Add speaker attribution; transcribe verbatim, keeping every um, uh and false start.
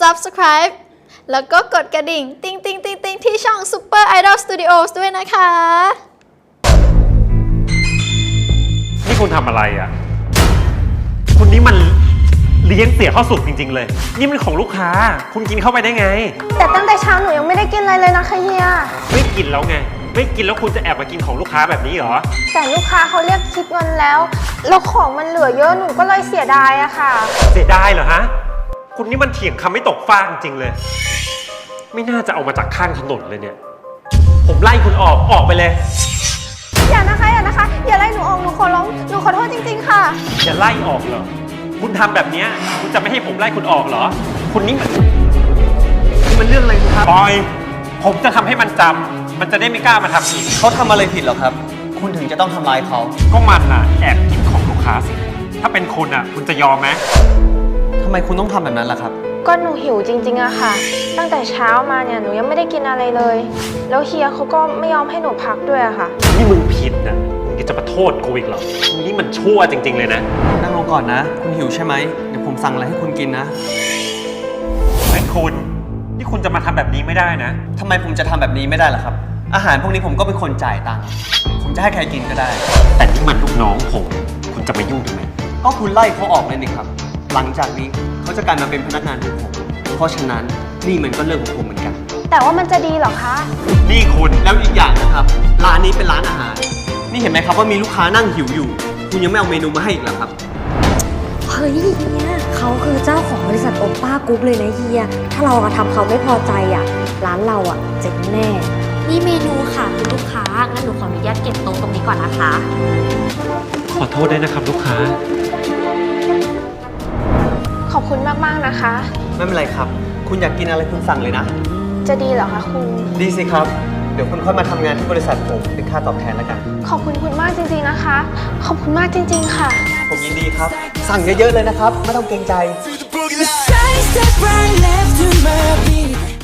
Speaker 1: ซับสไครบ์ แล้วก็กดกระดิ่ง ติ๊งติ๊งติ๊งติ๊งที่ช่อง Super Idol Studios ด้วยนะคะ
Speaker 2: นี่คุณทำอะไรอ่ะ คุณนี่มันเลี้ยงเสียข้าวสุกจริงๆเลย นี่มันของลูกค้า คุณกินเข้าไปได้ไง
Speaker 3: แต่ตั้งแต่เช้าหนูยังไม่ได้กินอะไรเลยนะคะเฮีย
Speaker 2: ไม่กินแล้วไง ไม่กินแล้วคุณจะแอบมากินของลูกค้าแบบนี้เหรอ
Speaker 3: แต่ลูกค้าเขาเรียกคิดเงินแล้ว แล้วของมันเหลือเยอะหนูก็เลยเสียดายอะค่ะ
Speaker 2: เสียดายเหรอฮะ คุณนี่มันเถียงคำไม่ตกฟากจริงๆเลย ไม่น่าจะเอามาจากข้างถนนเลยเนี่ย ผมไล่คุณออก ออกไปเลย
Speaker 3: อย่านะคะอย่านะคะ อย่าไล่หนูออกหนูขอร้องหนูขอโทษจริงๆค่ะ
Speaker 2: จะไล่ออกเหรอ คุณทำแบบนี้คุณจะไม่ให้ผมไล่คุณออกเหรอ คุณนี่มันนี่มันเรื่องอะไรครับปอย ผมจะทำให้มันจำ มันจะได้ไม่กล้ามาทำอีก
Speaker 4: เขาทำอะไรผิดหรอครับ คุณถึงจะต้องทำร้ายเขา
Speaker 2: ก็มันน่ะแอบกินของลูกค้าสิ ถ้าเป็นคุณอ่ะ คุณจะยอมไหม
Speaker 4: ทำไมคุณต้องทำแบบนั้นล่ะครับ
Speaker 3: ก็หนูหิวจริงๆอะค่ะ ตั้งแต่เช้ามาเนี่ยหนูยังไม่ได้กินอะไรเลย แล้วเฮียเขาก็ไม่ยอมให้หนูพักด้วยอะค่ะ
Speaker 2: นี่มึงผิดนะมึงจะมาโทษกูอีกเหรอมึงนี่มันชั่วจริงๆเลยนะ
Speaker 4: นั่งลงก่อนนะ คุณหิวใช่ไหม เดี๋ยวผมสั่งอะไรให้คุณกินนะ
Speaker 2: เฮ้ยคุณ นี่คุณจะมาทำแบบนี้ไม่ได้นะ
Speaker 4: ทำไมผมจะทำแบบนี้ไม่ได้ล่ะครับ อาหารพวกนี้ผมก็เป็นคนจ่ายตังค์ ผมจะให้ใครกินก็ได้
Speaker 2: แต่นี่มันลูกน้องผม คุณจะมายุ่งทำไม
Speaker 4: ก็คุณไล่เขาออกเลยนี่ครับ หลังจากนี้เขาจะกลายมาเป็นพนักงานของผม เพราะฉะนั้นนี่มันก็เรื่องของผมเหมือนกัน
Speaker 3: แต่ว่ามันจะดีเหรอคะ
Speaker 2: นี่คุณ
Speaker 4: แล้วอีกอย่างนะครับ ร้านนี้เป็นร้านอาหาร นี่เห็นไหมครับว่ามีลูกค้านั่งหิวอยู่ คุณยังไม่เอาเมนูมาให้อีกเหรอครับ
Speaker 5: เฮ้ยเฮียเขาคือเจ้าของบริษัทโอป้ากรุ๊ปเลยนะเฮีย ถ้าเราทำเขาไม่พอใจอ่ะ ร้านเราอ่ะเจ๊งแน่
Speaker 6: นี่เมนูค่ะคุณลูกค้า งั้นหนูขออนุญาตเก็บโต๊ะตรงนี้ก่อนนะคะ
Speaker 2: ขอโทษด้วยนะครับลูกค้า
Speaker 3: ขอบคุณมากๆนะคะ
Speaker 4: ไม่เป็นไรครับ คุณอยากกินอะไรคุณสั่งเลยนะ
Speaker 3: จะดีเหรอคะคุณ
Speaker 4: ดีสิครับ เดี๋ยวคุณค่อยมาทำงานที่บริษัทผมเป็นค่าตอบแทนแล้วกัน
Speaker 3: ขอบคุณคุณมากจริงๆนะคะ ขอบคุณมากจริงๆค่ะ
Speaker 4: ผมยินดีครับ สั่งเยอะๆเลยนะครับ ไม่ต้องเกรงใจ
Speaker 7: Side step right left to my beat